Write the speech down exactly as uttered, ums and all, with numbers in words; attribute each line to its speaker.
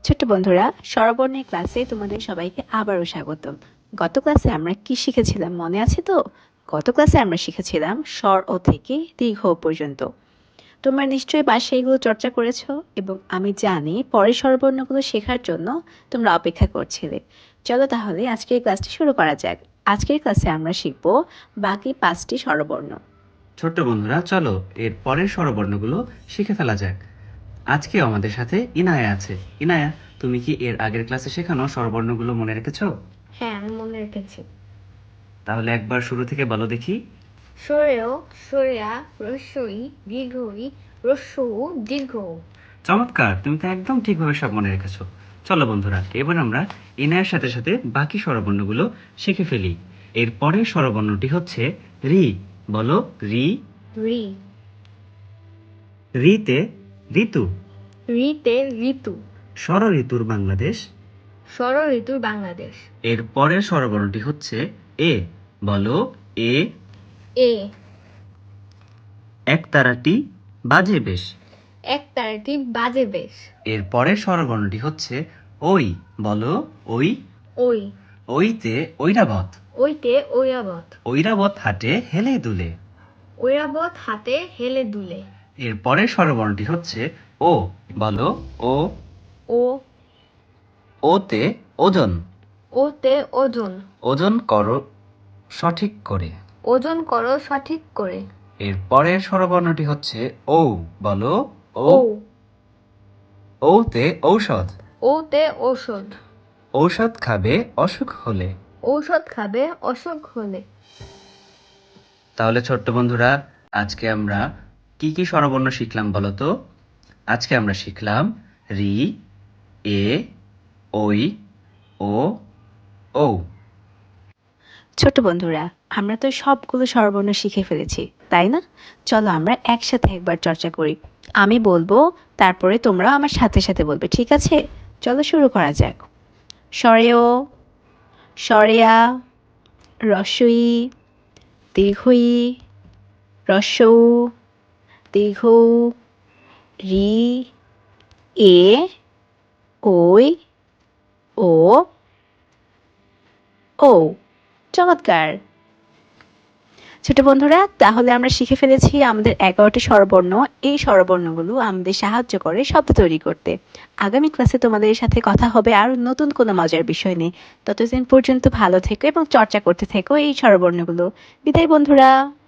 Speaker 1: ছোট্ট বন্ধুরা, স্বরবর্ণের ক্লাসে তোমাদের সবাইকে আবারও স্বাগতম। গত ক্লাসে আমরা কি শিখেছিলাম মনে আছে তো? গত ক্লাসে আমরা শিখেছিলাম স্বর ও থেকে দীর্ঘ ও পর্যন্ত। তোমরা নিশ্চয়ই বাসায় এগুলো চর্চা করেছো এবং আমি জানি পরের স্বরবর্ণগুলো শেখার জন্য তোমরা অপেক্ষা করছিলে। চলো তাহলে আজকের ক্লাসটি শুরু করা যাক। আজকের ক্লাসে আমরা শিখব বাকি পাঁচটি স্বরবর্ণ।
Speaker 2: ছোট্ট বন্ধুরা, চলো এর পরের স্বরবর্ণগুলো শিখে ফেলা যাক। আজকে আমাদের সাথে ইনায়া আছে। ইনায়া, তুমি কি এর আগের ক্লাসে শেখানো স্বরবর্ণগুলো মনে রেখেছো?
Speaker 3: হ্যাঁ, আমি মনে রেখেছি।
Speaker 2: তাহলে একবার শুরু থেকে বলো দেখি।
Speaker 3: সরেও, সরেয়া, রস্যই, দীর্ঘই, রস্যু, দীর্ঘ।
Speaker 2: চমৎকার, তুমি তো একদম ঠিকভাবে সব মনে রেখেছো। চলো বন্ধুরা, এবার আমরা ইনায়ার সাথে সাথে বাকি স্বরবর্ণগুলো শিখে ফেলি। এর পরের স্বরবর্ণটি হচ্ছে রি। বলো রি।
Speaker 3: রি।
Speaker 2: রিতে ঋতু।
Speaker 3: রিতে ঋতু।
Speaker 2: ষড় ঋতুর বাংলাদেশ।
Speaker 3: ষড় ঋতুর বাংলাদেশ।
Speaker 2: এর পরের স্বরবর্ণটি হচ্ছে এ। বলো এ।
Speaker 3: এ।
Speaker 2: একতারাটি বাজে বেশ।
Speaker 3: এক তারাটি বাজে বেশ।
Speaker 2: এর পরের স্বরবর্ণটি হচ্ছে ওই। বলো ওই।
Speaker 3: ওই।
Speaker 2: ওইতে ঐরাবত।
Speaker 3: ওইতে ঐরাবত।
Speaker 2: ঐরাবত হাটে হেলে দুলে।
Speaker 3: ঐরাবত হাতে হেলে দুলে।
Speaker 2: এর পরের স্বরবর্ণটি হচ্ছে ও। বলো ও।
Speaker 3: ও।
Speaker 2: ওতে ওজন।
Speaker 3: ওতে ওজন।
Speaker 2: ওজন করো সঠিক করে।
Speaker 3: ওজন করো সঠিক করে।
Speaker 2: এর পরের স্বরবর্ণটি হচ্ছে ও। বলো ও।
Speaker 3: ও।
Speaker 2: ওতে ঔষধ।
Speaker 3: ওতে ঔষধ।
Speaker 2: ঔষধ খাবে অসুখ হলে।
Speaker 3: ঔষধ খাবে অসুখ হলে।
Speaker 2: তাহলে ছোট্ট বন্ধুরা, আজকে আমরা কি কি স্বরবর্ণ শিখলাম বলো তো? আজকে আমরা শিখলাম রি, এ, ওই, ও, ও।
Speaker 1: ছোট বন্ধুরা, আমরা তো সবগুলো স্বরবর্ণ শিখে ফেলেছি, তাই না? চলো আমরা একসাথে একবার চর্চা করি। আমি বলবো, তারপরে তোমরা আমার সাথে সাথে বলবে, ঠিক আছে? চলো শুরু করা যাক। স্বরেও, স্বরেয়া, রস্বই, দীর্ঘই, রস্যৌ, দীর্ঘ, রি, এ, ওই, ও, ও। চমৎকার। ছোট বন্ধুরা, তাহলে আমরা শিখে ফেলেছি আমাদের এগারোটি স্বরবর্ণ। এই স্বরবর্ণগুলো আমাদের সাহায্য করে শব্দ তৈরি করতে। আগামী ক্লাসে তোমাদের সাথে কথা হবে আরও নতুন কোনো মজার বিষয় নিয়ে। ততদিন পর্যন্ত ভালো থেকো এবং চর্চা করতে থেকো এই স্বরবর্ণগুলো। বিদায় বন্ধুরা।